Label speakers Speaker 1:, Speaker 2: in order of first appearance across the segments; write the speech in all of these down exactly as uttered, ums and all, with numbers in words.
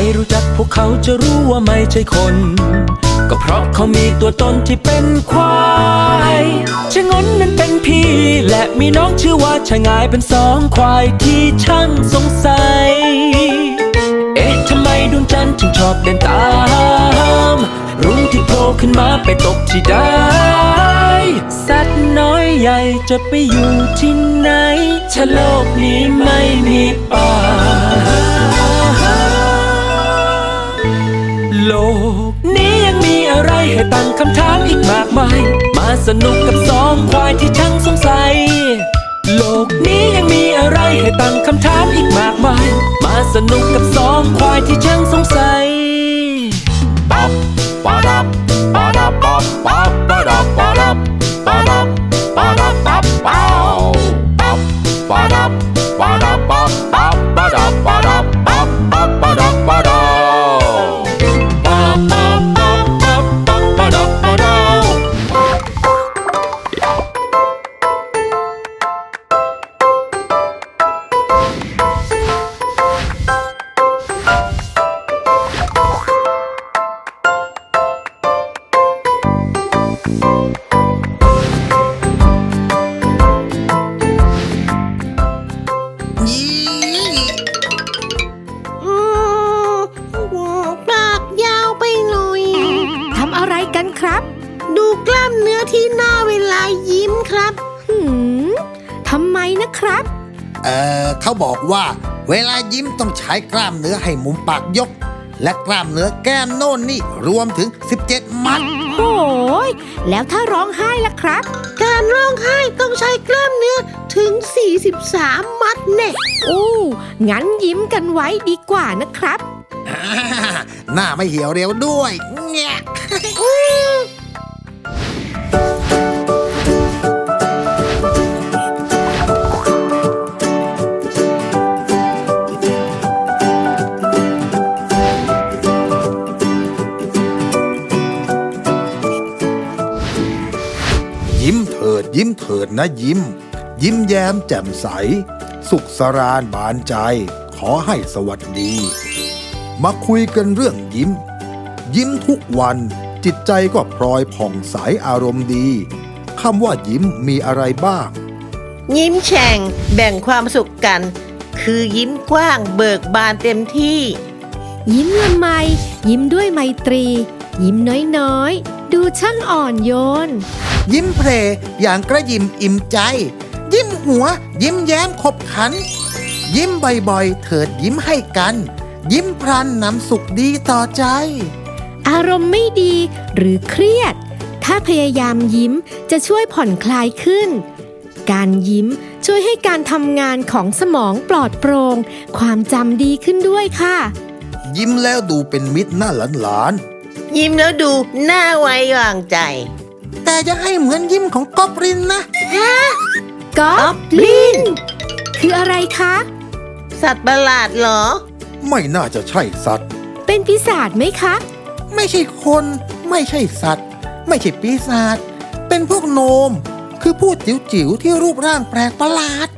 Speaker 1: รู้จักพวกเขาจะรู้ว่าไม่ใช่คนก็เพราะเขามีตัวตนที่เป็นควายชะงนนั้นเป็นพี่และมีน้องชื่อว่าชะงายเป็นสองควายที่ช่างสงสัยเอ๊ะทำไมดวงจันทร์ถึงชอบเดินตามรุ่งที่โผล่ขึ้นมาไปตกที่ใดสัตว์น้อยใหญ่จะไปอยู่ที่ไหนถ้าโลกนี้ไม่มีป่าโลกนี้ยังมีอะไรให้ตั้งคำถามอีกมากมายมาสนุกกับสองควายที่ช่างสงสัยโลกนี้ยังมีอะไรให้ตั้งคำถามอีกมากมายมาสนุกกับสองควายที่ช่างสงสัยป๊อปป๊อดับป๊อดับป๊อปป๊อปป๊อดับป๊อดับป๊อดับป๊อดับป๊อปป๊อปป๊อดับป๊อดับป๊อปป๊อปป๊อดับป๊อดับป๊อปป๊อปป๊อดับป๊อดับ
Speaker 2: ดูกล้ามเนื้อที่หน้าเวลายิ้มครับหืมทำไมนะครับ
Speaker 3: เอ่อเขาบอกว่าเวลายิ้มต้องใช้กล้ามเนื้อให้มุมปากยกและกล้ามเนื้อแก้มโน่นนี่รวมถึงสิบเจ็ดมัด
Speaker 2: โอ้ยแล้วถ้าร้องไห้ล่ะครับการร้องไห้ต้องใช้กล้ามเนื้อถึงสี่สิบสามมัดแน่โอ้งั้นยิ้มกันไว้ดีกว่านะครับ
Speaker 3: หน้าไม่เหี่ยวเร็วด้วยเนี่ย
Speaker 4: ยิ้มเถิดยิ้มเถิดนะยิ้มยิ้มแย้มแจ่มใสสุขสราญบานใจขอให้สวัสดีมาคุยกันเรื่องยิ้มยิ้มทุกวันจิตใจก็พลอยผ่องใสอารมณ์ดีคำว่ายิ้มมีอะไรบ้าง
Speaker 2: ยิ้มแฉ่งแบ่งความสุขกันคือยิ้มกว้างเบิกบานเต็มที่ยิ้มละไมยิ้มด้วยไมตรียิ้มน้อยๆดูช่างอ่อนโยน
Speaker 3: ยิ้มเพลอย่างกระยิมอิ่มใจยิ้มหัวยิ้มแย้มขบขันยิ้มบ่อยๆเถิดยิ้มให้กันยิ้มพลันนำสุขดีต่อใจ
Speaker 2: อารมณ์ไม่ดีหรือเครียดถ้าพยายามยิ้มจะช่วยผ่อนคลายขึ้นการยิ้มช่วยให้การทำงานของสมองปลอดโปร่งความจำดีขึ้นด้วยค่ะ
Speaker 4: ยิ้มแล้วดูเป็นมิตรหน้าหลาน
Speaker 2: ๆยิ้มแล้วดูน่าไว้วางใจ
Speaker 3: แต่จะให้เหมือนยิ้มของกอบลินนะ
Speaker 2: ฮะกอบลินคืออะไรคะสัตว์ประหลาดเหรอ
Speaker 4: ไม่น่าจะใช่สัตว์
Speaker 2: เป็นปีศาจไหมคะ
Speaker 3: ไม่ใช่คนไม่ใช่สัตว์ไม่ใช่ปีศาจเป็นพวกโนมคือผู้จิ๋วๆที่รูปร่างแปลกประหลาด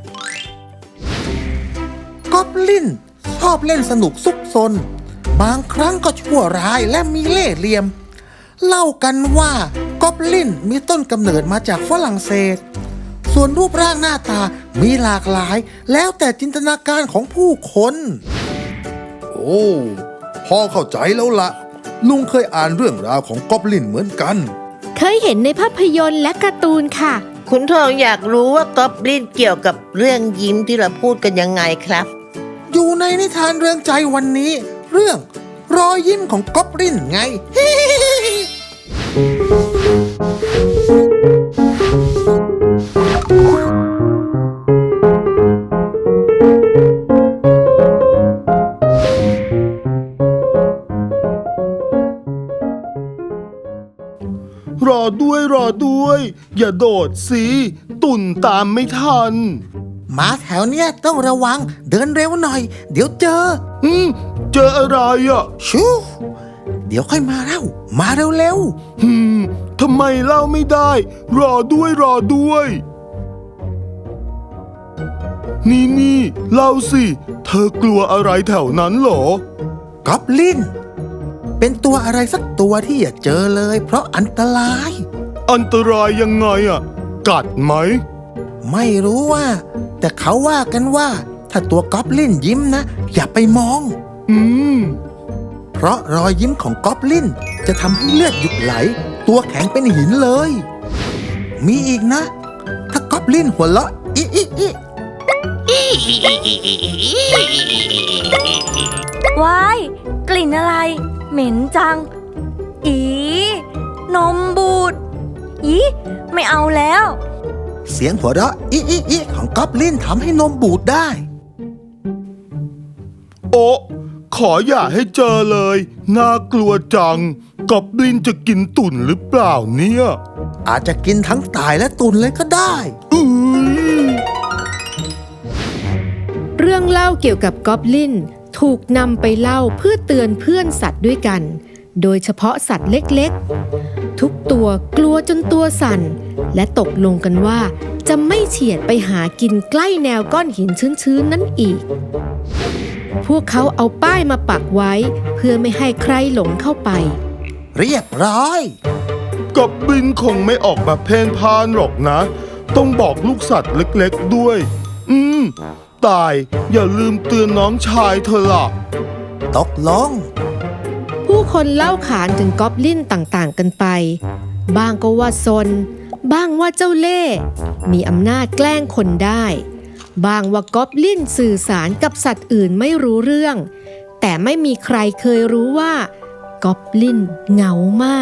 Speaker 3: กอบลินชอบเล่นสนุกซุกซนบางครั้งก็ชั่วร้ายและมีเล่ห์เหลี่ยมเล่ากันว่ากอบลินมีต้นกำเนิดมาจากฝรั่งเศสส่วนรูปร่างหน้าตามีหลากหลายแล้วแต่จินตนาการของผู้คน
Speaker 4: โอ้พอเข้าใจแล้วละลุงเคยอ่านเรื่องราวของกอบลินเหมือนกัน
Speaker 2: เคยเห็นในภาพยนตร์และการ์ตูนค่ะคุณทองอยากรู้ว่ากอบลินเกี่ยวกับเรื่องยิ้มที่เราพูดกันยังไงครับ
Speaker 3: อยู่ในนิทานเรื่องใจวันนี้เรื่องรอยยิ้มของกอบลินไง
Speaker 4: รอด้วยรอด้วยอย่าโดดสิตุ่นตามไม่ทัน
Speaker 3: มาแถวเนี้ยต้องระวังเดินเร็วหน่อยเดี๋ยวเจอ
Speaker 4: อืมเจออะไรอ่ะ
Speaker 3: ชูเดี๋ยวค่อยมาเล่ามาเร็ว
Speaker 4: ๆฮึมทำไมเล่าไม่ได้รอด้วยรอด้วยนี่นี่เล่าสิเธอกลัวอะไรแถวนั้นเหรอ
Speaker 3: กอบลินเป็นตัวอะไรสักตัวที่อย่าเจอเลยเพราะอันตราย
Speaker 5: อันตรายยังไงอ่ะ กัดไหม
Speaker 3: ไม่รู้ว่า แต่เขาว่ากันว่าถ้าตัวกอบลินยิ้มนะอย่าไปมอง
Speaker 5: อืม
Speaker 3: เพราะรอยยิ้มของกอบลินจะทำให้เลือดหยุดไหล ตัวแข็งเป็นหินเลย มีอีกนะ ถ้ากอบลินหัวเราะอิอิอิ
Speaker 6: ว้ายกลิ่นอะไร เหม็นจัง อีนมบูดอีไม่เอาแล้ว
Speaker 3: เสียงหัวเราะอิอิอิของกอบลินทำให้นมบูดได้
Speaker 5: โอ้ขออย่าให้เจอเลย น่ากลัวจังกอบลินจะกินตุ่นหรือเปล่าเนี่ย
Speaker 3: อาจจะกินทั้งตายและตุนเลยก็ได้
Speaker 5: อือ
Speaker 2: เรื่องเล่าเกี่ยวกับกอบลินถูกนำไปเล่าเพื่อเตือนเพื่อนสัตว์ด้วยกัน โดยเฉพาะสัตว์เล็กๆ ทุกตัวกลัวจนตัวสั่น และตกลงกันว่าจะไม่เฉียดไปหากินใกล้แนวก้อนหินชื้นๆนั้นอีก พวกเขาเอาป้ายมาปักไว้เพื่อไม่ให้ใครหลงเข้าไป
Speaker 3: เรียบร้อย
Speaker 5: กอบลินคงไม่ออกมาเพ่นพ่านหรอกนะ ต้องบอกลูกสัตว์เล็กๆด้วย อืม ตายอย่าลืมเตือนน้องชายเธอล่ะ
Speaker 3: ตกลง
Speaker 2: ผู้คนเล่าขานถึงกอบลินต่างๆกันไป บ้างก็ว่าซน บ้างว่าเจ้าเล่ห์มีอำนาจแกล้งคนได้ บ้างว่ากอบลินสื่อสารกับสัตว์อื่นไม่รู้เรื่อง แต่ไม่มีใครเคยรู้ว่ากอบลินเหงามาก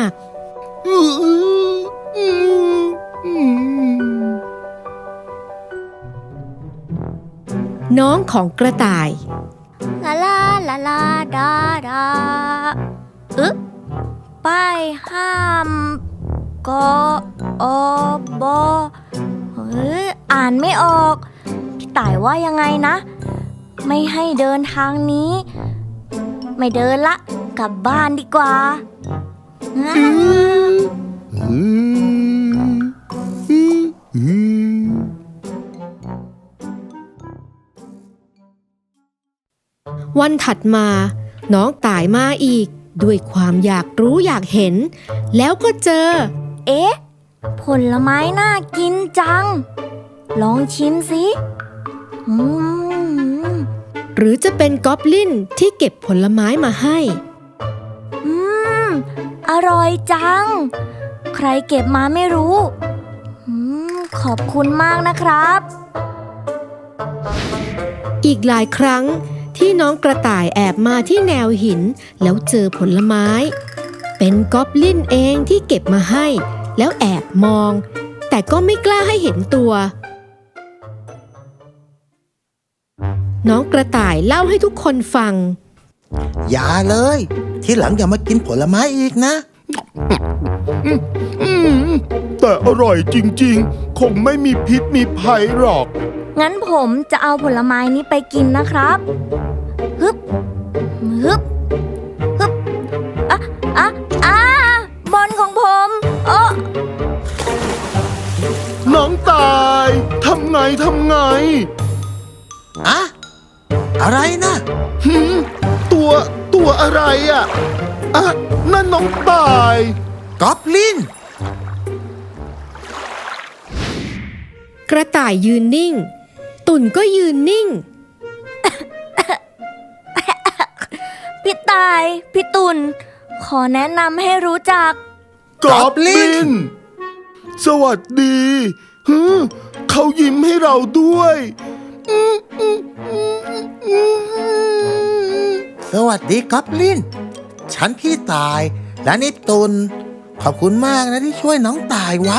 Speaker 2: น้องของกระต่าย
Speaker 6: ลาลาลาลาดาดาอึ๊บป้ายห้ามกอบอเฮ้ยอ่านไม่ออก พี่ต่ายว่ายังไงนะ ไม่ให้เดินทางนี้ ไม่เดินละ กลับบ้านดีกว่า
Speaker 5: อืมอืมอืม
Speaker 2: วันถัดมา น้องต่ายมาอีก ด้วยความอยากรู้อยากเห็น แล้วก็เจอ
Speaker 6: เอ๊ะ ผลไม้น่ากินจัง ลองชิมสิอืม
Speaker 2: หรือจะเป็นกอบลินที่เก็บผลไม้มาให้
Speaker 6: อืม อร่อยจัง ใครเก็บมาไม่รู้อืมขอบคุณมากนะครับ
Speaker 2: อีกหลายครั้งที่น้องกระต่ายแอบมาที่แนวหินแล้วเจอผลไม้ เป็นกอบลินเองที่เก็บมาให้ แล้วแอบมอง แต่ก็ไม่กล้าให้เห็นตัว น้องกระต่ายเล่าให้ทุกคนฟัง
Speaker 3: อย่าเลย ที่หลังอย่ามากินผลไม้อีกนะ
Speaker 5: อืมแต่อร่อยจริงๆ คงไม่มีพิษมีภัยหรอก
Speaker 6: งั้นผมจะเอาผลไม้นี้ไปกินนะครับฮึบฮึบฮึบอ่ะอ่ะอ่ะบอลของผมโอ้
Speaker 5: น้องตายทำไงทำไง
Speaker 3: อะอะไรนะ
Speaker 5: หืมตัวตัวอะไรอ่ะอ่ะนั่นน้องตาย
Speaker 3: กอบลิน
Speaker 2: กระต่ายยืนนิ่ง ตุ่นก็ยืนนิ่ง
Speaker 6: พี่ตาย พี่ตุลขอแนะนำให้รู้จัก
Speaker 5: กอบลิน สวัสดีฮึเขายิ้มให้เราด้วยอืมอืมอืมอืม
Speaker 3: สวัสดีกอบลิน ฉันพี่ตาย และนี่ตุน ขอบคุณมากนะที่ช่วยน้องตายไว้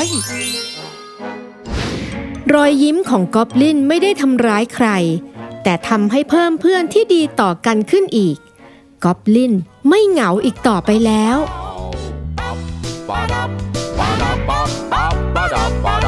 Speaker 2: รอยยิ้มของกอบลินไม่ได้ทำร้ายใคร แต่ทำให้เพิ่มเพื่อนที่ดีต่อกันขึ้นอีก กอบลินไม่เหงาอีกต่อไปแล้ว
Speaker 1: Ba-da-ba-ba-ba-ba-ba-da-ba-da